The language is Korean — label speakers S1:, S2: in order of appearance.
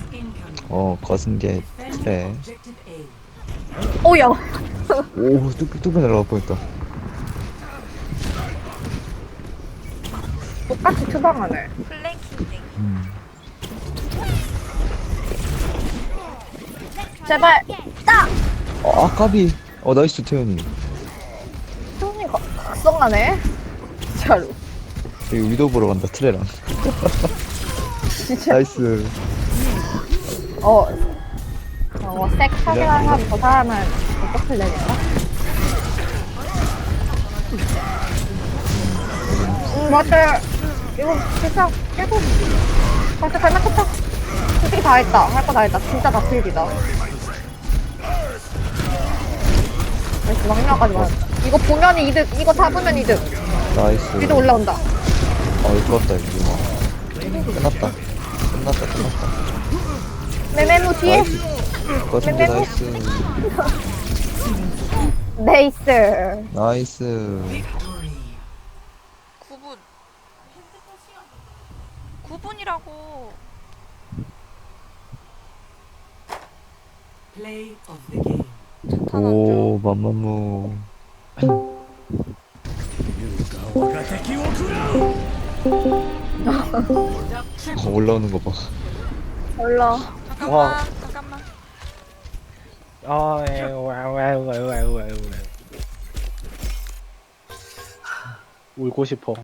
S1: 거슨 게 그래.
S2: 오야.
S1: 오, 뚝뚝 날아갈 뻔했다.
S2: 똑같이 투방하네.
S3: 플랭킹.
S1: 음.
S2: 제발. 딱.
S1: 까비. 나이스 태연이.
S2: 손이 각성하네. 진짜로.
S1: 여기 위도 보러 간다 트레랑.
S2: 진짜.
S1: 나이스.
S2: 색 사기하면 저 사람은 어떻게 되겠다? 맞아. 이거 진짜 계속. 맞아, 잘 맞췄다. 솔직히 다 했다. 할 거 다 했다. 진짜 다 필기다. 나이스, 막내까지 맞았다. 이거 보면 이득. 이거 잡으면 이득.
S1: 나이스.
S2: 위도 올라온다.
S1: 이거 좋았다 이거. 끝났다.
S2: 메메무 뒤에.
S1: 나이스. 거슨 게
S2: 메메무.
S1: 나이스.
S2: 네이스.
S1: 나이스.
S3: 9분. 9분이라고.
S4: Play of the game.
S3: 자탄
S1: 오, 맘마무. 올라오는 거 봐.
S2: 올라.
S3: 잠깐만. 잠깐만.
S5: 울고 싶어.